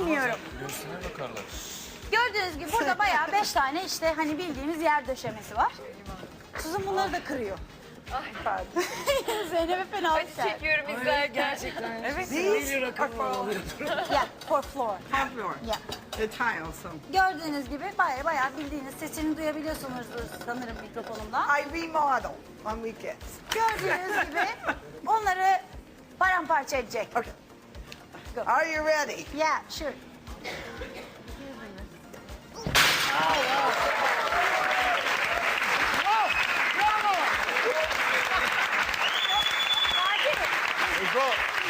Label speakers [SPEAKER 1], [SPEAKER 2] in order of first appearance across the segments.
[SPEAKER 1] bilmiyorum.
[SPEAKER 2] Göğsüne bakarlar.
[SPEAKER 1] Gördüğünüz gibi burada bayağı 5 tane işte hani bildiğimiz yer döşemesi var. Suzan bunları da kırıyor.
[SPEAKER 3] Pardon.
[SPEAKER 1] Zeynep'e fena
[SPEAKER 4] Acı çekiyorum izlerken.
[SPEAKER 3] Gerçekten.
[SPEAKER 4] Evet.
[SPEAKER 3] These are for
[SPEAKER 1] Yeah, for floor.
[SPEAKER 3] floor.
[SPEAKER 1] Yeah.
[SPEAKER 3] The tiles. So.
[SPEAKER 1] Gördüğünüz gibi bayağı bildiğiniz sesini duyabiliyorsunuz sanırım mikrofonumdan.
[SPEAKER 3] I remodel on weekends.
[SPEAKER 1] Gördüğünüz gibi onları paramparça edecek.
[SPEAKER 3] Okay. Are you ready?
[SPEAKER 1] Yeah, sure.
[SPEAKER 2] Ego.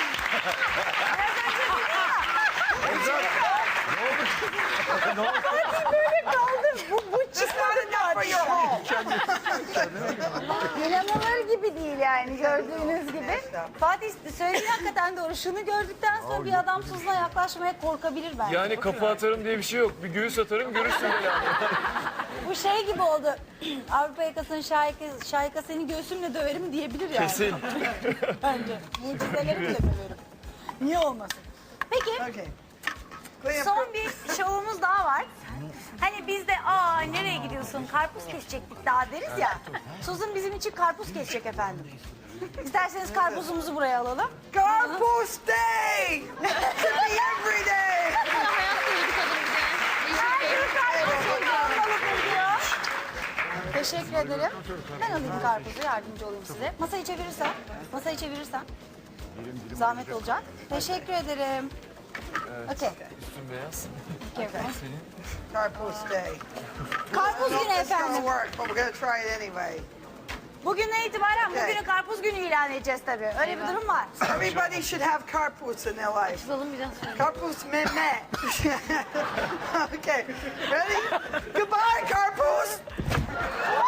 [SPEAKER 1] Bu çıkmadı
[SPEAKER 3] For your home.
[SPEAKER 1] İnanılır gibi değil yani gördüğünüz gibi. Fatih söylediğin hakikaten doğru. Şunu gördükten sonra bir adam tuzla yaklaşmaya korkabilir bence.
[SPEAKER 2] Yani kafa atarım diye bir şey yok. Bir göğüs atarım görürsün böyle.
[SPEAKER 1] Bu şey gibi oldu. Avrupa yakasının şahika seni göğsümle döverim diyebilir yani.
[SPEAKER 2] Kesin.
[SPEAKER 1] Bence. Mucizelerimle döverim. Niye olmasın? Peki
[SPEAKER 3] Okay. Clean up.
[SPEAKER 1] son bir şovumuz daha var. Hani biz de nereye gidiyorsun karpuz kesecektik daha deriz ya. Suzan bizim için karpuz kesecek efendim. İsterseniz karpuzumuzu buraya alalım.
[SPEAKER 3] Carpool day! Should be every day!
[SPEAKER 1] Teşekkür ederim. Ben alayım karpuzu, yardımcı olayım size. Masayı çevirirsen, zahmet olacak. Teşekkür ederim. Okey.
[SPEAKER 2] Üstün beyaz. Senin.
[SPEAKER 3] Carpool day.
[SPEAKER 1] Karpuz günü
[SPEAKER 3] It's gonna
[SPEAKER 1] efendim.
[SPEAKER 3] work, but we're gonna try it anyway.
[SPEAKER 1] Bugünden itibaren
[SPEAKER 3] Okay.
[SPEAKER 1] bugünü karpuz günü ilan edeceğiz tabii. Öyle bir durum var.
[SPEAKER 3] Everybody should have carpools in their life.
[SPEAKER 4] Açalım biraz sonra.
[SPEAKER 3] Carpools meme. Okay, ready? Goodbye, carpools!